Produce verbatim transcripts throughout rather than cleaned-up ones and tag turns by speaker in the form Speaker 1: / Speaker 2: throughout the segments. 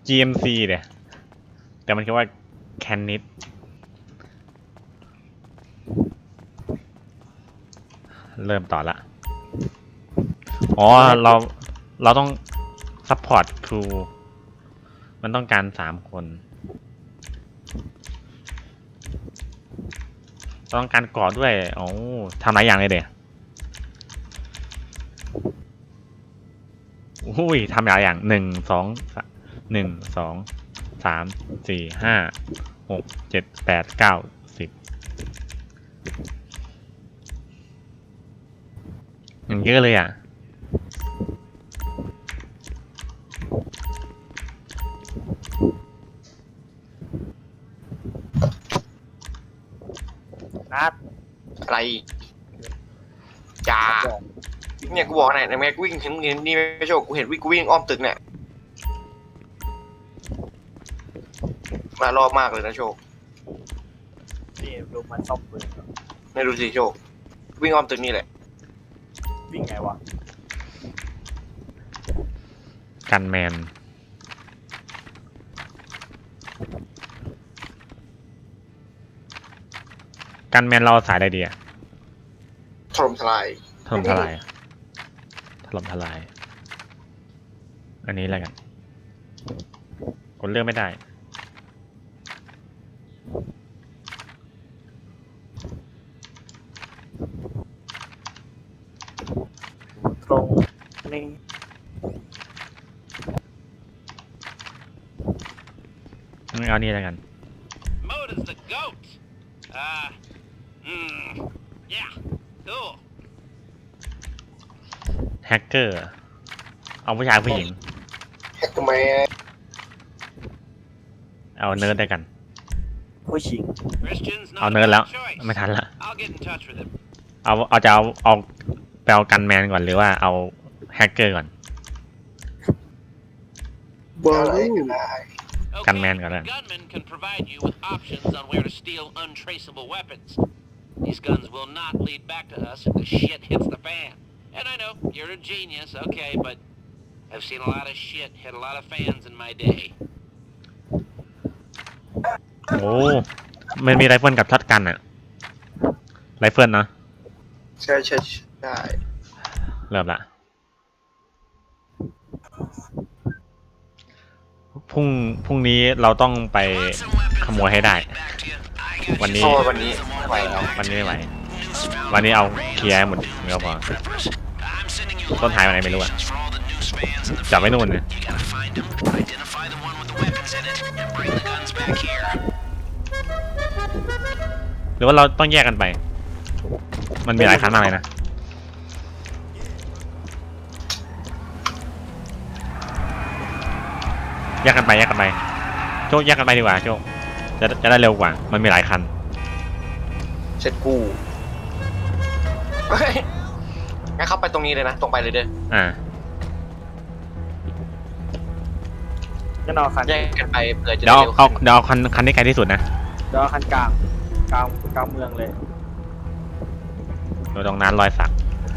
Speaker 1: จี เอ็ม ซี เนี่ยแต่มันคือว่าแคนนิดเริ่มต่อละอ๋อเราเราต้องซัพพอร์ตครูมันต้องการสามคนต้องการกอดด้วยโอ้ทำหลายอย่างเลยเด็กอุ้ยทำหลายอย่างหนึ่งสองหนึ่งสองสามสี่ห้าหกเจ็ดแปดเก้าสิบอย่างเยอะเลยอ่ะ
Speaker 2: นัด
Speaker 3: อะไรจ้าเนี่ยกูบอกไหนในแม่กูวิ่งเห็นเห็นนี่ไม่โชคกูเห็นวิ่งกูวิ่งอ้อมตึกเนี่ยมารอบมากเลยนะโชค
Speaker 2: นี่ดูมันซ่อมปืน
Speaker 3: ไม่ดูสิโชควิ่งอ้อมตึกนี่แหละ
Speaker 2: วิ่งไงวะ
Speaker 1: กันแมนกันแมนเราสายอะไรดีอะ
Speaker 3: ถล่มทลาย
Speaker 1: ถล่มทลายถล่มทลายอันนี้อะไรกันกดเลือกไม่ได้
Speaker 2: ตรงนี่
Speaker 1: งั้นเอานี่อะไรกัน
Speaker 4: Mode is the goat. Uh, mm, yeah, cool.
Speaker 1: แฮกเกอร์เอาผู้ชายผู้หญิง
Speaker 3: แฮกทำไม
Speaker 1: เอาเนิร์ดได้กัน
Speaker 2: ผู้ชิง
Speaker 4: Christian's
Speaker 1: เอา
Speaker 4: not a
Speaker 1: เนิร์ดแล้ว
Speaker 4: bad choice.
Speaker 1: ไม่ทันละ
Speaker 4: I'll get in touch with him.
Speaker 1: เอาเอาจะเอาเอาไปเอากันแมนก่อนหรือว่าเอาแฮกเกอร์ก่อน
Speaker 3: บอลลูน
Speaker 4: Okay,
Speaker 1: Gunman got it.
Speaker 4: gunmen can provide you with options on where to steal untraceable weapons. These guns will not lead back to us if the shit hits the fan. And I know, you're a genius, okay, but I've seen a lot of shit hit a lot of fans in my day.
Speaker 1: โอ้มันมีไรเฟิลกับช็อตกันอะไรเฟิลเนาะ
Speaker 3: ใช่ใช่ใช่
Speaker 1: เริ่มละพรุ่งพรุ่งนี้เราต้องไปขโมยให้ได้ วันนี้
Speaker 3: เพราะว่าวันนี้ไม่ไหวแล้ว
Speaker 1: วันนี้ไม่ไหววันนี้เอาเคลียร์ให้หมดก็พอต้นท้ายวันไหนไม่รู้อะจับไว้นู่นเลยหรือว่าเราต้องแยกกันไป มันมีหลายคันมากเลยนะแยกกันไปแยกกันไปโจ๊กแยกกันไปดีกว่าโจ๊กจะจะได้เร็วกว่ามันมีหลายคัน
Speaker 3: เสร็จกูเฮ้ยงั้นเข้าไปตรงนี้เลยนะตรงไปเลยเด้อ
Speaker 1: อ่า
Speaker 2: จะนอนคัน
Speaker 3: แยกกันไปเผื่อจะ
Speaker 1: เดี๋ยว
Speaker 3: ได้
Speaker 1: เอา
Speaker 3: เร็ว
Speaker 1: เอา
Speaker 3: ขึ้น
Speaker 1: เดี๋ยวเอาคันคันที่ไกลที่สุดนะ
Speaker 2: เดี๋ยวคันกลางกลางกลางเมืองเลย
Speaker 1: เดี๋ยวตรงนั้นรอยสัก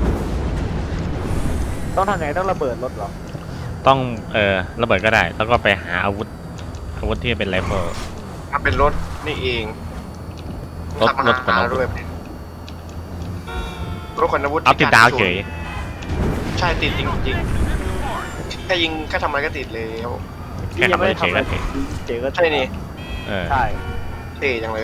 Speaker 2: ต้องทำไงต้องระเบิดรถเหรอ
Speaker 1: ต้องเออระเบิดก็ได้ แล้วก็ไปหาอาวุธอาวุธที่เป็นไรเฟิล
Speaker 3: ถ้าเป็นรถนี่เอง
Speaker 1: รถ
Speaker 3: ขับมาร
Speaker 1: ถขนอาวุธ
Speaker 3: ด้วยรถขนอาวุธ
Speaker 1: เอาติดดาวเฉย
Speaker 3: ใช่ติดจริงจริงๆแค่ยิงแค่ทำอะไรก็ติดเลยครับผม
Speaker 1: แค่ขับรถเฉยก็เฉย
Speaker 2: เจ๋ก็
Speaker 3: ใช่นี่
Speaker 1: เออ
Speaker 2: ใช่
Speaker 3: เท่จังเลย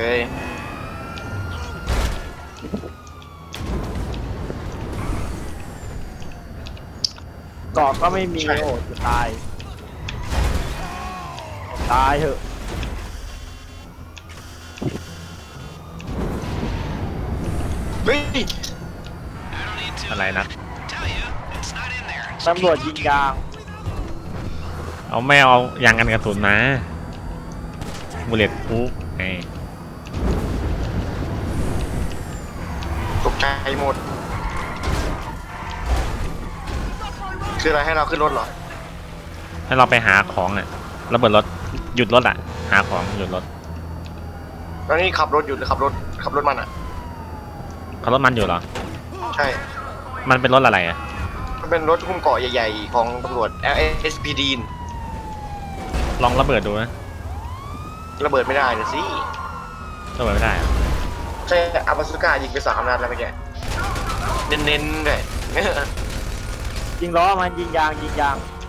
Speaker 2: เกาะก็ไม่มีโอ้จะตายตายเถอะ
Speaker 3: เฮ้ย
Speaker 1: อะไรนะ
Speaker 2: ตำรวจยิงยาง
Speaker 1: เอาไม่เอายางกันกระสุนมาบุลเลตพูไง
Speaker 3: ตกใจหมดคืออะไรให้เราขึ้นรถเหรอ
Speaker 1: ให้เราไปหาของอ่ะระเบิดรถหยุดรถอ่ะหาของหยุดรถ
Speaker 3: แล้วนี่ขับรถอยู่หรือขับรถขับรถมันอ่ะ
Speaker 1: เขารถมันอยู่เหรอ
Speaker 3: ใช่
Speaker 1: มันเป็นรถอะไรอ่ะ
Speaker 3: มันเป็นรถหุ้มเกาะใหญ่ๆของตำรวจ แอล เอส พี ดี
Speaker 1: อลองระเบิดดูนะ
Speaker 3: ระเบิดไม่ได้นะสิ
Speaker 1: ระเบิดไม่ได้อะ
Speaker 3: ใช่อาบาสุก้ายิงไปสามนัดแล้วเมื่อกี้เน้นๆเลย
Speaker 2: ยิงล้อมันยิงยางยิงยาง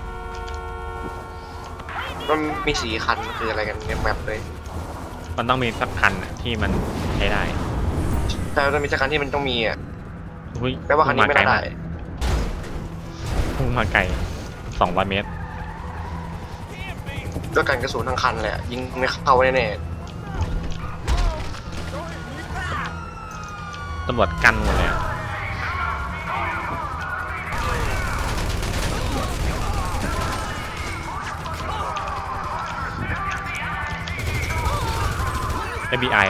Speaker 3: มันมีสีคันคืออะไรกันเนี่ยแมปเลย
Speaker 1: มันต้องมีสักคันอะที่มันใช้ได้
Speaker 3: แต่มันมีสักคันที่มันต้องมีอ่ะ
Speaker 1: อุ้ย
Speaker 3: แปลว่าคันนี้ไม่
Speaker 1: พุ่ง
Speaker 3: ได้
Speaker 1: พุ่งมาไกลสองร้อยเมตร
Speaker 3: ด้วยกันกระสุนทั้งคันเลยอะยิงไม่เข้าแน่
Speaker 1: ตำรวจกันหมดเลยอะ เอฟ บี ไอ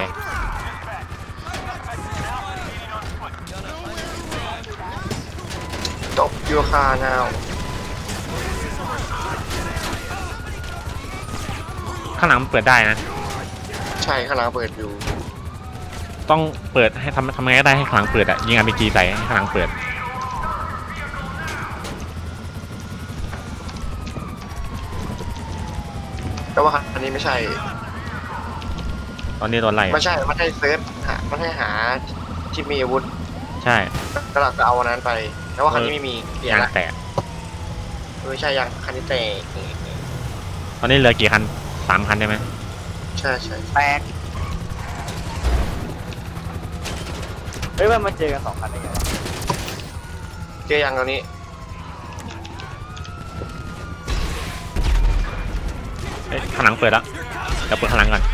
Speaker 3: ๆจบยูคาแนว
Speaker 1: ข้างหลังมันเปิดได้นะ
Speaker 3: ใช่ข้างหลังเปิดอยู่
Speaker 1: ต้องเปิดให้ทำทำไงก็ได้ให้ข้างหลังเปิดอะยิงอาร์พีจีใส่ให้ข้างหลังเปิด
Speaker 3: แต่ว่าคันนี้ไม่ใช่
Speaker 1: ตอนนี้โดนไล่อะ
Speaker 3: ไม่ใช่มันให้เซิร์ชหามันให้หาที่มีอาวุธ
Speaker 1: ใช่
Speaker 3: ก็เราจะเอาอันนั้นไปแต่ว่าคันนี้ไม่มีเปลี่ยน
Speaker 1: ยาง
Speaker 3: ละ
Speaker 1: แตก
Speaker 3: เออใช่ยังคันนี้แตก
Speaker 1: ตอนนี้เหลือกี่คันสามคันได้ไหม
Speaker 3: ใช่ใช่
Speaker 2: แตกเฮ้ยมันมาเจอกันสองคันได้ไงวะ
Speaker 3: เจอยังตอนนี้
Speaker 1: เอ้ยข้างหลังเปิดแล้วเดี๋ยวเปิดข้างหลังก่อน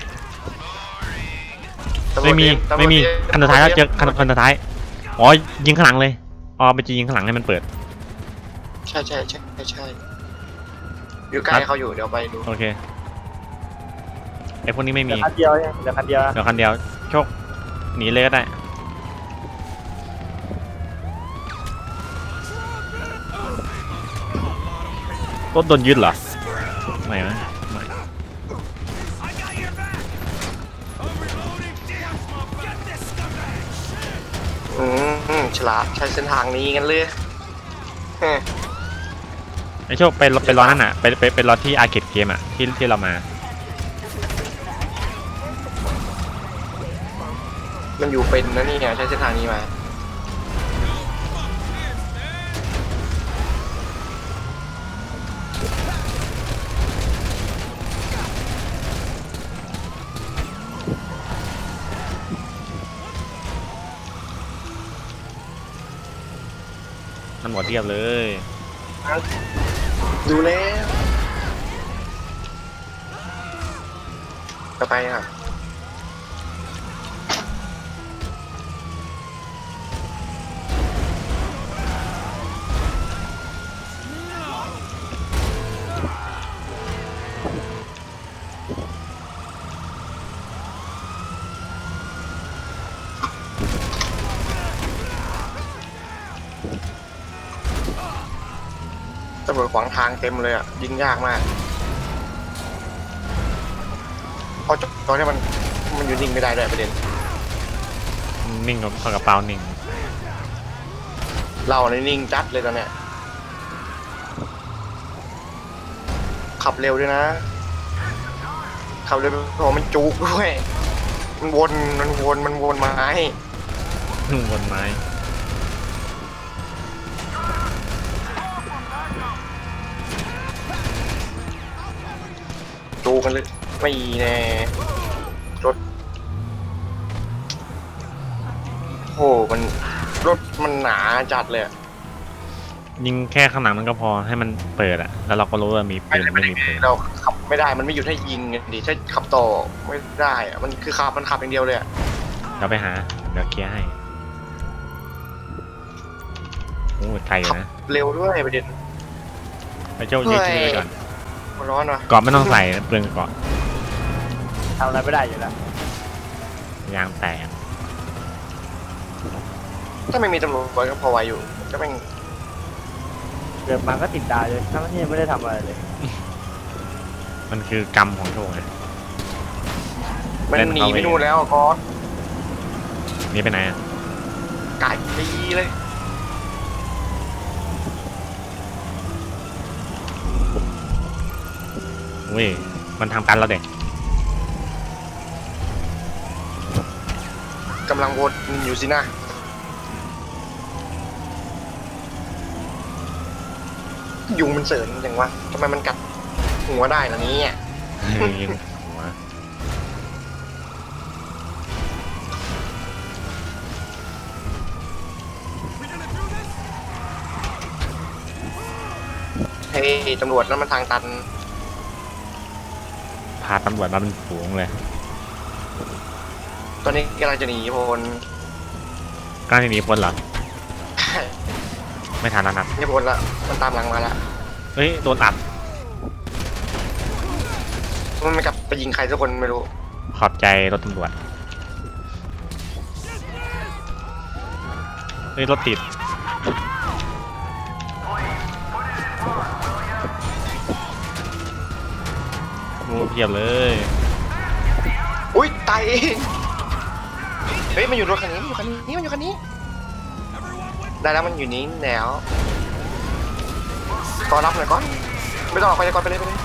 Speaker 3: ตำรวจ
Speaker 1: ไม่มี
Speaker 3: ตำรวจ
Speaker 1: ไม่มี
Speaker 3: เย
Speaker 1: คันสุดท้ายแล้วเจอคันคันสุดท้ายอ๋อยิงข้างหลังเลยอ๋อไปจะยิงข้างหลังให้มันเปิด
Speaker 3: ใช่ใช่ใช่ใช่ใช่อยู่ใกล้เขาอยู่เดี๋ยวไปดู
Speaker 1: โอเคไอพวกนี้ไม่
Speaker 2: เหลื
Speaker 1: มี
Speaker 2: อคันเดียวเนี่ยเหลือคันเดียว
Speaker 1: เดี๋ยวคันเดียวโชคหนีเลยก็ได้รถโดนยึดเหรอไม่ไหมไม่
Speaker 3: อืมอืมฉลาดใช้เส้นทางนี้กันเลยเฮ้ย
Speaker 1: ไอโชคไปไปรอนั่นอ่ะไปไปไปรอที่อาร์เคดเกมอ่ะที่ที่เรามา
Speaker 3: มันอยู่เป็นนะนี่เนี่ยใช้เส้นทางนี้มา
Speaker 1: มันหมดเรียบเลย
Speaker 3: ดูแล้วจะไปครับตำรวจขวางทางเต็มเลยอ่ะยิงยากมากเพราะตอนนี้มันมันอยู่นิ่งไม่ได้ด้วยประเด็น
Speaker 1: นิ่งกับเข้ากระเป๋านิ่ง
Speaker 3: เราในยนิ่งจัดเลยตอนเนี้ยขับเร็วด้วยนะขับเร็วเพราะมันจุกด้วยมันวนมันวนมันวนไม้
Speaker 1: นุ่งบนไม้
Speaker 3: จูกันเลยไม่แน่รถโหมันรถมันหนาจัดเลยอะ
Speaker 1: ยิงแค่ข้างหลังมันก็พอให้มันเปิดอะแล้วเราก็รู้ว่ามีปืนไม่มีปืน
Speaker 3: เราขับไม่ได้มันไม่หยุดให้ยิงไงดิถ้าขับต่อไม่ได้อะมันคือขับมันขับอย่างเดียวเลยอะ
Speaker 1: เดี๋ยวไปหาเดี๋ยวเคลียร์ให้โอ้ยไกลอยู่
Speaker 3: ขับ
Speaker 1: นะ
Speaker 3: เร็วด้วยประเด็น
Speaker 1: ไปเจ้ายืดชื่อไปก่อน
Speaker 3: มันร้อนว่ะ
Speaker 1: เกาะไม่ต้องใส่เปลืองเกาะ
Speaker 2: ทำอะไรไม่ได้อยู่แล้ว
Speaker 1: ยางแตก
Speaker 3: ถ้าไม่มีตำรวจก็พอไหวอยู่ก็แม่ง
Speaker 2: เกิดมาก็ติดดาวเลยทั้งที่ไม่ได้ทำอะไรเลย
Speaker 1: มันคือกรรมของโชคไง
Speaker 3: มัน
Speaker 1: เล่น
Speaker 3: หนี
Speaker 1: เอาไว้
Speaker 3: ไปนู่นแล้วอะก๊อต
Speaker 1: นี่ไปไหนอะ
Speaker 3: ไก่ปีเลย
Speaker 1: เว้ยมันทำกันแล้วเด็ก
Speaker 3: กำลังวนอยู่สินะยุงมันเสริญจังวะทำไมมันกัดหัวได้ล่ะเนี่ย
Speaker 1: ยิงหัว
Speaker 3: เฮ้ยตำรวจนั่นมันทางตัน
Speaker 1: พาตำรวจมาเป็นฝูงเลย
Speaker 3: ตอนนี้กำลังจะหนีพล
Speaker 1: กล้าที่หนีพ้นเหรอไม่ทันแล้วนะ
Speaker 3: ไม่พ้นละมันตามหลังมาละ
Speaker 1: เฮ้ยโดนอัด
Speaker 3: มันไม่กลับไปยิงใครสักคนไม่รู้
Speaker 1: ขอบใจรถตำรวจเฮ้ยรถติดงูเพียบเลย
Speaker 3: อุ้ยตายเองเฮ้ยมันอยู่รถคันนี้มันอยู่คันนี้มันอยู่คันนี้ได้แล้วมันอยู่นี้แล้วก่อนรับหน่อยก่อนไม่ต้องออกไปเลยก่อนไปเลยไปเลย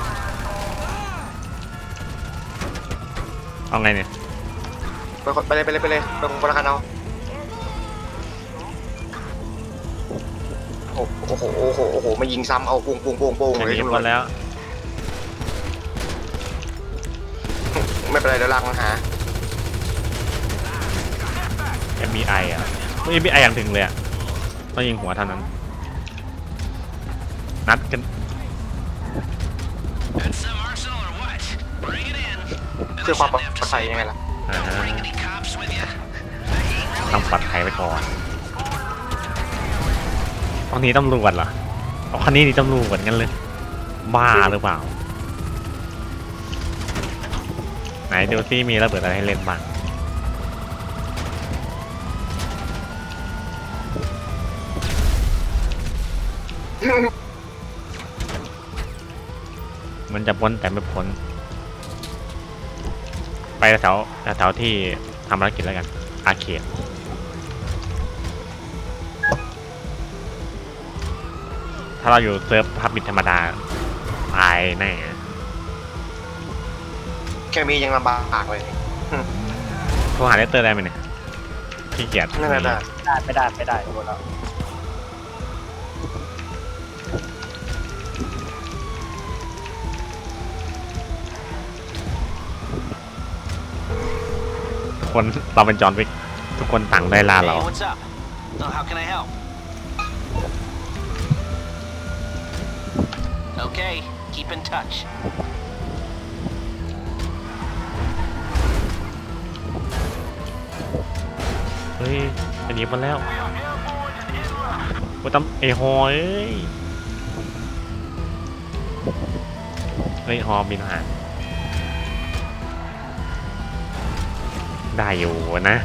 Speaker 1: เอาไงเนี่ย
Speaker 3: ไปก่อนไปเลยไปเลยไปเลยไปคนละคันเอาโอ้โหโอ้โหโอ้โหมายิงซ้ำเอาปุ้งปุ้งปุ้งปุ้ง
Speaker 1: อย่าง
Speaker 3: เลย
Speaker 1: นี้
Speaker 3: ตำร
Speaker 1: พ้
Speaker 3: วจ
Speaker 1: นแล้ว
Speaker 3: ไม่เป็นไรเดี๋ยวลากมาหา
Speaker 1: เอ็ม บี ไอ อ่ะเอ็ม บี ไอ อย่างถึงเลยอ่ะต้องยิงหัวเท่านั้นนัดกัน
Speaker 4: Got some arsenal or what? Bring it in.
Speaker 3: เพื่อความปลอดภัยยังไงล่ะ
Speaker 1: อ่า
Speaker 4: Bring any cops with you?
Speaker 1: ทำปลอดภัยไว้ก่อนตอนนี้ตำรวจเหรอเอาคันนี้นี่ตำรวจกันเลยบ้าหรือเปล่าไหนดูซิมีระเบิดอะไรให้เล่นบ้างมันจะพ้นแต่ไม่พ้นไปแถวแถวที่ทำภารกิจแล้วกันอาเขตถ้าเราอยู่เซิร์ฟพับบิทธรรมดาตายแน่
Speaker 3: แค่มียังลำบากเลย
Speaker 1: โทรหาเลตเตอร์ได้ไหมเนี่ยขี้เกียจ
Speaker 3: นั่นแหละ
Speaker 2: ไม่ได้ไม่ได้ไม่ได้หมดแล้ว
Speaker 1: คนเราเป็นจอห์นวิกทุกคนต่างได้ลาเรา
Speaker 4: Hey, what's up? Oh, how can I help? Okay, keep in touch.
Speaker 1: เฮ้ยจะหนีมันแล้วว่าตำเอฮอเอ้ยเฮ้ยฮอบินหางได้อยู่นะ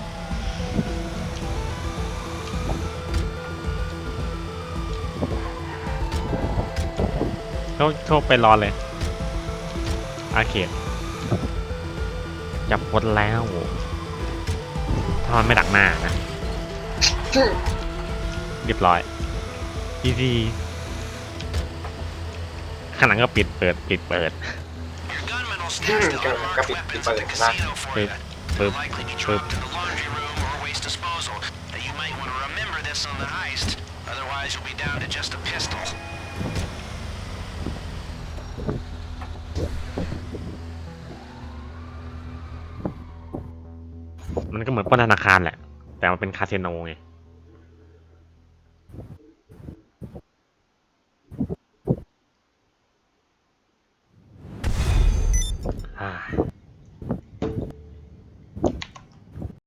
Speaker 1: เขาเขาไปรอเลยอาเขตจับพ้นแล้วถ้ามันไม่ดักหน้านะ เรียบร้อยอีซีข้างหลังก็ปิดเปิดปิดเปิด
Speaker 4: Your gunman will stash the unmarked weapons at the casino for you.
Speaker 1: ปึ๊บ
Speaker 4: Likely be
Speaker 1: ปึ๊บ
Speaker 4: dropped in the laundry room or waste disposal. Now, you might want to remember this on the heist. Otherwise, you'll be down to just a pistol.
Speaker 1: มันก็เหมือนปล้นธนาคารแหละ แต่มันเป็นคาสิโนไง